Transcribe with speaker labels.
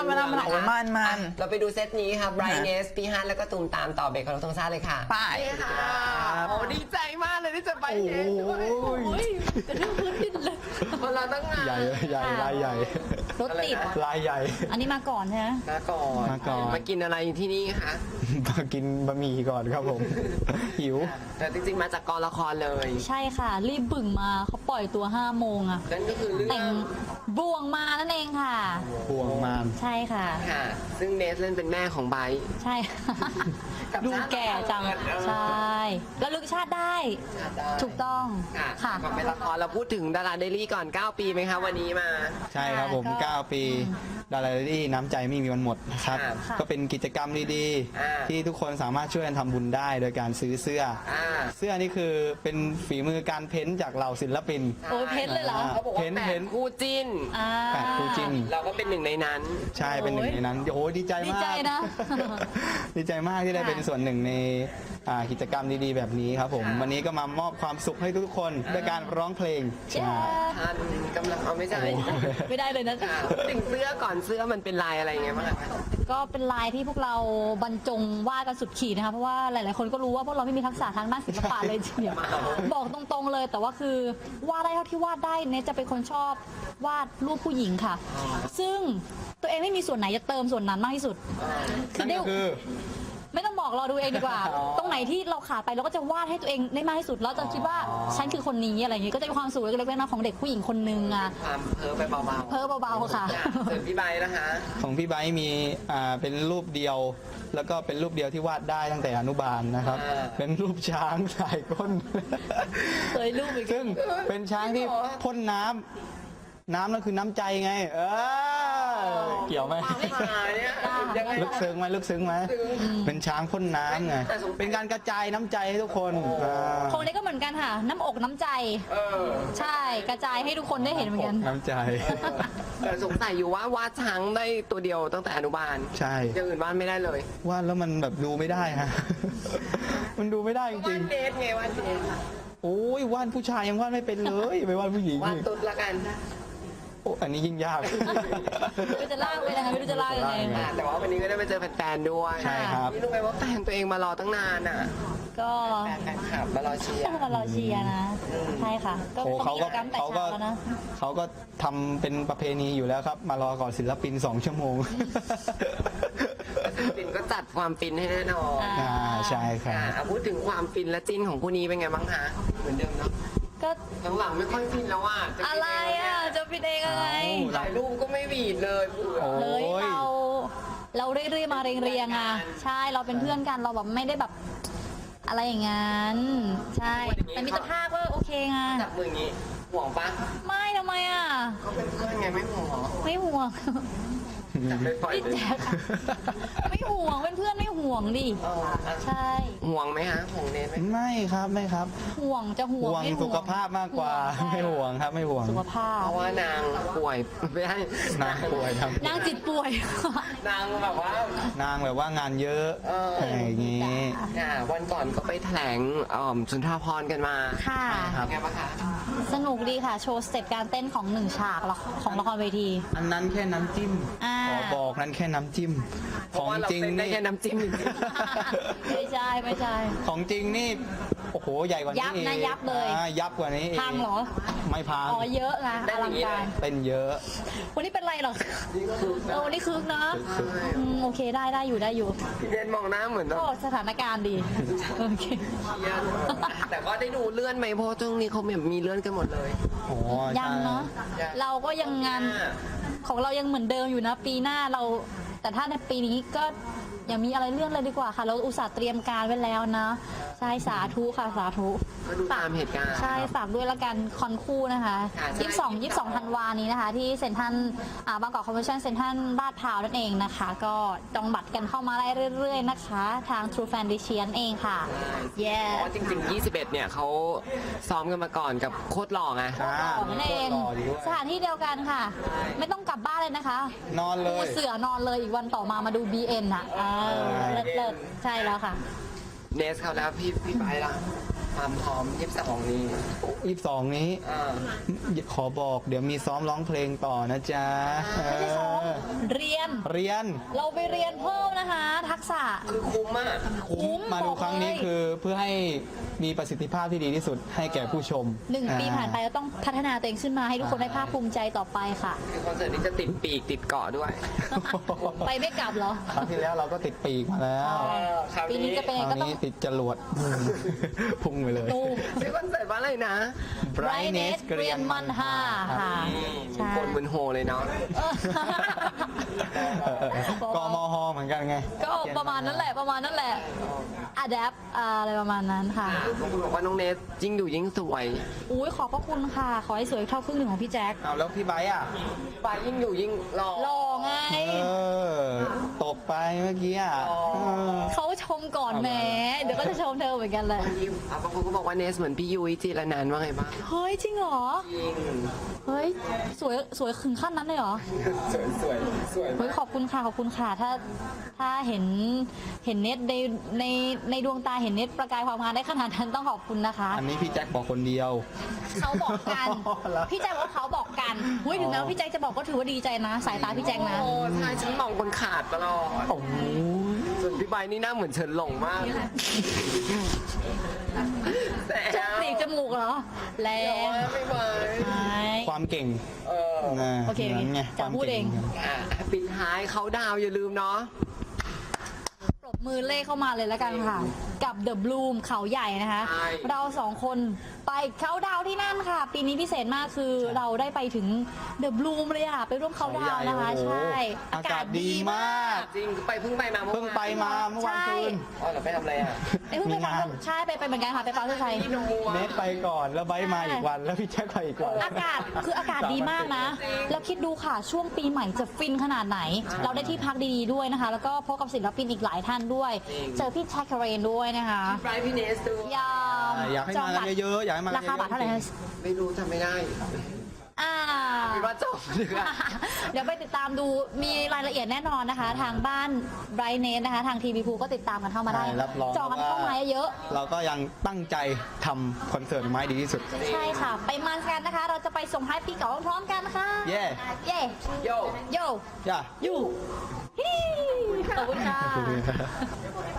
Speaker 1: โอ้ยมัน
Speaker 2: เราไปดูเซตนี้ค่ะไบรเนสพี่ฮันแล้วก็ตูมตามต่อเบรกของเราทั้งซ่าเลยค่ะ
Speaker 1: ไป
Speaker 2: ค่ะโอ้ดีใจมากเลยที่จะไบรเนสด้วย
Speaker 3: กระทืบพื้นดินเลย
Speaker 2: คนเราตั้งงาน
Speaker 4: ใหญ่ลายใหญ่
Speaker 3: รถติด
Speaker 4: ลายใหญ่
Speaker 3: อันนี้มาก่อนใช่ไหม
Speaker 2: มาก่อนมากินอะไรที่นี่คะ
Speaker 4: มากินบะหมี่ก่อนครับผม หิว
Speaker 2: แต่จริงๆมาจากกองละครเลย
Speaker 3: ใช่ค่ะ รีบบึ่งมาเขาปล่อยตัว5 โมงอะ
Speaker 2: นั่นก็คือเรื่
Speaker 3: แต่
Speaker 2: อง ง
Speaker 3: บ่วงมานั่นเองค่ะ
Speaker 4: ห่วงมาน
Speaker 3: ใช่ค่ะ
Speaker 2: ค่ะ ซึ่งเนสเล่นเป็นแม่ของไบร์ท
Speaker 3: ใช่
Speaker 2: กับ
Speaker 3: ดูแก่จัง
Speaker 2: ชาติเออ
Speaker 3: ใช่แล้วลึกชาติได้ ถูกต้อง
Speaker 2: ค่ะ
Speaker 3: ค่ะ
Speaker 2: ก่อนเป็นละครเราพูดถึงดาราเดลี่ก่อน 9 ปีไหมคะวันนี้มา
Speaker 4: ใช่ครับผม
Speaker 3: ก็
Speaker 4: 9 ปีดาราที่น้ำใจไม่มีวันหมดนะครับ
Speaker 2: ค่ะ
Speaker 4: ก็เป็นกิจกรรมดี
Speaker 2: อ่า
Speaker 4: ๆ ที่ทุกคนสามารถช่วยกันทำบุญได้โดยการซื้อเสื้อ เสื้อนี่คือเป็นฝีมือการเพ้นท์จากเหล่าศิลปิน
Speaker 3: โอ้ยเพชรเลยเหรอ
Speaker 2: เขาบอกว่า
Speaker 4: เห็น
Speaker 2: แปดคู่จิ้น
Speaker 3: อ่า
Speaker 4: 8 คู่จิ้น
Speaker 2: เราก็เป็นหนึ่งในนั้น
Speaker 4: ใช่เป็นหนึ่งในนั้นโอ้โหดีใจมาก
Speaker 3: ดีใจนะ
Speaker 4: ดีใจมากที่ได้
Speaker 3: ค่ะ
Speaker 4: เป็นส่วนหนึ่งในกิจกรรมดีๆ แบบนี้ครับผม
Speaker 2: ค่ะ
Speaker 4: วันนี้ก็มามอบความสุขให้ทุกๆคนด้วยการร้องเพลง
Speaker 3: เย้
Speaker 4: ใช่
Speaker 2: ทันกำลังเอาไม่ใช่
Speaker 3: ไม่ได้เลยนะ
Speaker 2: ค่ะพูดถึงเสื้อก่อนเสื้อมันเป็นลายอะไรไงบ้างคะ
Speaker 3: ก็เป็นลายที่พวกเราบรรจงวาดกันสุดขีดนะคะเพราะว่าหลายๆคนก็รู้ว่าพวกเราไม่มีทักษะทางด้านศิลปะเลยทีเดียวบอกตรงๆเลย แต่ว่าคือวาดได้เท่าที่วาดได้เนี่ยจะเป็นคนชอบวาดรูปผู้หญิงค่ะ ซึ่งตัวเองไม่มีส่วนไหนจะเติมส่วนนั้นมากที่สุด
Speaker 4: นั่นก็คือ
Speaker 3: ไม่ต้องบอกเราดูเองดีกว่า
Speaker 4: อ๋อ
Speaker 3: ตรงไหนที่เราขาดไปเราก็จะวาดให้ตัวเองได้มากที่สุดแล้วจะคิดว่าฉันคือคนนี้อะไรอย่างงี้ก็จะมีความสุขเล็กๆน้อยๆของเด็กผู้หญิงคนนึงอ่ะ
Speaker 2: ความเพ้อไปเบาๆ
Speaker 3: เพ้อเบาๆค่ะ
Speaker 2: ส่วนพี่ใบนะคะ
Speaker 4: ของพี่ไบร์ทมีเป็นรูปเดียว แล้วก็เป็นรูปเดียวที่วาดได้ตั้งแต่อนุบาลนะครับ เป็นรูปช้างสายก้น
Speaker 3: เคยรูปอีก
Speaker 4: ซึ่งเป็นช้างที่พ่นน้ำนั่นคือน้ำใจไง เกี่ยวไหม
Speaker 2: ไม่มาเนี่ยยังไง
Speaker 4: ลึกซึ้งไหมลึกซึ้งไหมเป็นช้างพ่นน้ำไง
Speaker 2: แต่สงสัย
Speaker 4: เป็นการกระจายน้ำใจให้ทุกคน
Speaker 3: ของเล็กก็เหมือนกันค่ะ น้ำอกน้ำใจ ใช่กระจายให้ทุกคนได้เห็นเหมือนกัน
Speaker 4: น้ำใจ
Speaker 2: แต่สงสัยอยู่ว่าวาดช้างได้ตัวเดียวตั้งแต่อนุบาล
Speaker 4: ใช่
Speaker 2: อย่างอื่นวาดไม่ได้เลยว
Speaker 4: าดแล้วมันแบบดูไม่ได้ฮะ มันดูไม่ได้จ
Speaker 2: วา
Speaker 4: ริ
Speaker 2: ด
Speaker 4: ง
Speaker 2: เดทไงวาดเดท
Speaker 4: ๆโอ้ยวาดผู้ชายยังวาดไม่เป็นเลยไปวาดผู้หญิง
Speaker 2: วาด
Speaker 4: อีก
Speaker 2: ตุ๊ดละกัน
Speaker 4: โอ้อันนี้ยิ่งยาก
Speaker 3: ไม่รู้จะลากไปยังไงไม่รู้จะลากยังไง
Speaker 2: แต่ว่าวันนี้ก็ได้ไปเจอแฟนๆด้วย
Speaker 4: ใช่ครับ
Speaker 2: นี่รู้ไหมว่าแฟนตัวเองมารอตั้งนานอ่ะ
Speaker 3: ก็
Speaker 2: แฟนคลับมารอเชียร์
Speaker 3: ต้องมารอเชียร์นะใช่ค่ะ ก็
Speaker 4: โอ้
Speaker 3: ต้อง
Speaker 4: เขา
Speaker 3: มี
Speaker 4: ก็
Speaker 3: กิจกรรมแต่
Speaker 4: เขาก็
Speaker 3: เช้าแล้วนะ
Speaker 4: เขาก็ทำเป็นประเพณีอยู่แล้วครับ มารอก่อนศิลปิน 2 ชั่วโมง
Speaker 2: ฟินก็จัดความฟินให้แน่นอน
Speaker 4: ใช่ครับ
Speaker 2: พูดถึงความฟินและจิ้นของคู่นี้เป็นไงบ้างคะเหมือนเดิมเนาะ
Speaker 3: ก็
Speaker 2: หลังๆไม่ค่อยฟินแล้วอ่ะ
Speaker 3: อะไรอ่ะจะเป็นเองอะไร
Speaker 2: ถ่ายรูปก็ไม่หวีดเลยเบื่อ
Speaker 4: โอ้
Speaker 3: เลย
Speaker 4: ย
Speaker 3: เราเรื่อยๆมาเรียงๆอ่ะใช่เราเป็นเพื่อนกันเราแบบไม่ได้แบบอะไรอย่างนั้นใช่แต่มิตรภาพก็โอเคไง
Speaker 2: จับมืออย่างงี้ห่วงปะ
Speaker 3: ไม่ทำไมอ่ะ
Speaker 2: ก็เป็นเพื่อนไงไม่ห่วงเหรอ
Speaker 3: ไม่ห่วง
Speaker 2: จับไปปล่อย
Speaker 3: พี่
Speaker 2: เลย
Speaker 3: แจ๊คไม่ห่วงเป็นเพื่อนไม่ห่วงดิใช่
Speaker 2: ห่วงไหมฮะห่วงเนทไหม
Speaker 4: ไม่ครับไม่ครับ
Speaker 3: ห่วงจะห่วง
Speaker 4: ห่วง
Speaker 3: ไม่
Speaker 4: สุขภาพมากกว่า ไม่ห่วงครับไม่ห่วง
Speaker 3: สุขภา
Speaker 2: เพ
Speaker 3: พ
Speaker 2: ราะว่านางป่วยไม่ใช่
Speaker 4: นางป่วยครับ
Speaker 3: นางจิตป่วย
Speaker 2: นางแบบว่าน
Speaker 4: างแบบว่างานเยอะ อะไรอย่างงี้
Speaker 2: วันก่อนก็ไปแถลงสุนทรภรณ์กันมา
Speaker 3: ค่ะ
Speaker 2: เป็นไงบ้างคะ
Speaker 3: สนุกดีค่ะ โชว์สเต็ปการเต้นของหนึ่งฉากของละครเวที
Speaker 4: อันนั้นแค่น้ำจิ้ม
Speaker 3: อ่า
Speaker 4: ขอบอกนั้นแค่น้ำจิ้ม
Speaker 2: เพ
Speaker 4: ข
Speaker 2: ราะ
Speaker 4: อง
Speaker 2: ว่าเรา
Speaker 4: จริง
Speaker 2: เต้นได้
Speaker 4: นี่
Speaker 2: แค่น้ำจิ้มจริง
Speaker 3: ไม่ใช่ไม่ใช่
Speaker 4: ของจริงนี่โอ้โหใหญ่กว่านี้
Speaker 3: ยับนะ
Speaker 4: อีก
Speaker 3: ยับเลย
Speaker 4: ยับกว่านี้อีก
Speaker 3: พังเหรอ
Speaker 4: ไม่พัง
Speaker 3: อ๋อเยอะนะอลังการ
Speaker 4: เป็นเยอะ
Speaker 3: วันนี้เป็นไรหรอวันนี้คึกนะโอเคได้อยู่ได้อยู่
Speaker 2: ๆพี่เดนมองหน้าเหมือนแบบ
Speaker 3: ก็สถานการณ์ดีโอเค
Speaker 2: เครียดแต่ก็ได้ดูเลื่อนไหมเพราะช่วงนี้เขาแบบมีเลื่อนกันหมดเลย
Speaker 4: โอ้
Speaker 3: ยังเนาะเราก็ยังงานของเรายังเหมือนเดิมอยู่นะ ปีหน้าเรา แต่ถ้าในปีนี้ก็อย่ามีอะไรเลื่อนเลยดีกว่าค่ะ เราอุตส่าห์เตรียมการไว้แล้วนะใช่สาธุค่ะสาธุ
Speaker 2: ก็ดูตามเหตุการณ์
Speaker 3: ใช่ฝากด้วยละกันคอนคู่นะคะ
Speaker 2: ค่ะใช่
Speaker 3: 22ธันวานี้นะคะ ที่เซ็นทรัลบางกอกคอมเวชั่นเซ็นทรัลลาดพร้าวนั่นเองนะคะ ก็จองบัตรกันเข้ามาได้เรื่อยๆนะคะ ทาง True Fan d i c i a n เองค่ะ
Speaker 2: เพ
Speaker 3: yeah
Speaker 2: ราะว่าจริงๆ 21 เนี่ยเขาซ้อมกันมาก่อนกับโคตรหล่อไง
Speaker 3: ของนั่นเองสถานที่เดียวกันค่ะ ไม่ต้องกลับบ้านเลยนะคะ
Speaker 4: นอนเล
Speaker 3: ปู
Speaker 4: ย
Speaker 3: เสือนอนเลยอีกวันต่อมามาดู BN อ่ะเลิศใช่แล้วค่ะ
Speaker 2: เนสเขาแล้วพี่ไปละความพร้อม22นี้
Speaker 4: 22 นี้
Speaker 2: อ่า
Speaker 4: ขอบอกเดี๋ยวมีซ้อมร้องเพลงต่อนะจ๊ะ
Speaker 3: ไม่ใช่ซ้อมเรียน
Speaker 4: เรียน
Speaker 3: เราไปเรียนเพิ่มนะคะ ทักษะ
Speaker 2: คือคุ้มมาก
Speaker 3: คุ้ม
Speaker 4: มาดูครั้งนี้
Speaker 3: บอกเลย
Speaker 4: คือเพื่อให้มีประสิทธิภาพที่ดีที่สุดให้แก่ผู้ชม
Speaker 3: 1 ปีผ่านไปเราต้องพัฒนาตัวเองขึ้นมาให้ทุกคนได้ภาคภูมิใจต่อไปค่ะ
Speaker 2: คือคอนเสิร์ตนี้จะติดปีกติดเกาะด้วย
Speaker 3: ไปไม่กลับเหรอ
Speaker 4: ครั้งที่แล้วเราก็ติดปีกมาแล้ว
Speaker 2: คราว
Speaker 3: ปีนี้จะเป็น
Speaker 4: ค
Speaker 3: ยังไง
Speaker 4: ราว
Speaker 3: ก็ต้อง
Speaker 4: นี้ติดจรวด พุ่งไปเลย
Speaker 3: ตูม
Speaker 2: ชื่อคอนเสิร์ตว่าอะไรนะ
Speaker 3: Brightness เกรียนมันห้าค่ะ ใช่
Speaker 2: โกนมึนโฮเลยเนาะ
Speaker 4: กมฮเหมือนกันไง
Speaker 3: ก็ประมาณนั้นแหละประมาณนั้นแหละ adapt อะไรประมาณนั้นค่ะ
Speaker 2: บางคนบอกว่าน้องเนสยิ่งอยู่ยิ่งสวย
Speaker 3: อุ้ยขอบพระคุณค่ะ ขอให้สวยเท่าครึ่งหนึ่งของพี่แจ็ค
Speaker 4: เอาแล้วพี่ไบร์ทอ่ะ
Speaker 2: ปายยิ่งอยู่ยิ่งหล่อ
Speaker 3: หล่อไง
Speaker 4: ตกไปเมื่อกี้อ่ะ
Speaker 3: เขาชมก่อนแหมเดี๋ยวก็จะชมเธอเหมือนกันแหละ
Speaker 2: บางคนก็บอกว่าเนสเหมือนพี่ยุ้ยจีรนันท์ว่าไงบ้าง
Speaker 3: เฮ้ย จริงเหรอ
Speaker 2: จริง
Speaker 3: เฮ้ย สวยถึงขั้นนั้นเลยเหรอ
Speaker 2: สวยสวยสวย
Speaker 3: เฮ้ยขอบคุณค่ะขอบคุณค่ะถ้าเห็นเน็ตในดวงตาเห็นเน็ตประกายความงามได้ขนาดนั้นต้องขอบคุณนะคะ
Speaker 4: อันนี้พี่แจ็คบอกคนเดียว
Speaker 3: เขาบอกกัน
Speaker 4: แล้ว
Speaker 3: พี่แจ็คบอกว่าเขาบอกกันเฮ้ยถึงแม้ว่าพี่แจ็คจะบอกก็ถือว่าดีใจนะ สายตาพี่แจ็คนะ
Speaker 2: โอ้ใช่ฉันมองคนขาดตลอด
Speaker 4: โอ้โห
Speaker 2: ส่วนพี่ใบนี่หน้าเหมือนเฉินหลงมากแต่
Speaker 3: จมูกจมูกเหรอแร
Speaker 2: แต่
Speaker 3: ง
Speaker 2: ว่าไม่ไหว
Speaker 3: ใช่
Speaker 4: ความเก่ง
Speaker 2: เออ
Speaker 4: นะ
Speaker 3: โอเค
Speaker 4: นั้นไง
Speaker 3: จะพูดเอง
Speaker 2: อ่ะปิดท้ายเขาดาวอย่าลืมเนาะ
Speaker 3: ปรบมือเล่เข้ามาเลยแล้วกันค่ะ กับ The Bloom เขาใหญ่นะคะ
Speaker 2: ใช่
Speaker 3: เราสองคนไปเขาดาวน์ที่นั่นค่ะ ปีนี้พิเศษมากคือเราได้ไปถึง The Bloom เลยอ่ะ ไปร่วมเขาดาวน์นะคะ
Speaker 4: เขาใหญ่
Speaker 3: ใช่
Speaker 4: โอ้โหอากาศดีมาก
Speaker 2: จริงเพิ่งไปมาเมื่อวาน
Speaker 4: เพิ่งไปมาเมื่อวานคืน
Speaker 2: อ๋อเราไปทำอะไรอ่ะ
Speaker 3: ไอ้เพิ่งไป
Speaker 4: มีงาน
Speaker 3: ใช่ไปเหมือนกันค่ะ ไปฟังเพื่อใคร
Speaker 2: พี่นัว
Speaker 4: เนทไปก่อนแล้วไบร์ทมาอีกวัน แล้วพี่แจ็คไปอีกวัน
Speaker 3: อากาศคืออากาศดีมากนะ แล้วคิดดูค่ะ ช่วงปีใหม่จะฟินขนาดไหน เราได้ที่พักดีๆด้วยนะคะ แล้วก็พบกับศิลปินอีกหลายท่านด้วย เจอพี่แจ็คเคเรนด้วยนะคะ
Speaker 2: ไบรท์พี่เนสดู
Speaker 3: ยาม
Speaker 4: อยากให้มากันเยอะๆอยากให้มากัน
Speaker 3: ราคาบัตรเท่าไหร่
Speaker 4: เย
Speaker 3: คะ
Speaker 4: อะ
Speaker 2: ไม่รู้จำไม่ได้
Speaker 3: อ่า
Speaker 2: คิดว่าจบเลยอะ
Speaker 3: เดี๋ยวไปติดตามดูมีรายละเอียดแน่นอนนะคะ ทางบ้านไบรท์เนสนะคะ ทางทีวีพูก็ติดตามกันเข้ามาได้
Speaker 4: ใช่รับรอง
Speaker 3: จองกันเข้ามาเยอะ
Speaker 4: เราก็ยังตั้งใจทำคอนเสิร์ตไม้ดีที่สุด
Speaker 3: ใช่ค่ะ ไปมันกันนะคะ เราจะไปส่งท้ายปีเก่าพร้อมๆกันค่ะ
Speaker 4: เย่
Speaker 3: เย่
Speaker 2: โย
Speaker 3: โย
Speaker 4: ย่า
Speaker 3: ยูฮิขอบคุณค่ะ
Speaker 4: ขอบคุณครับ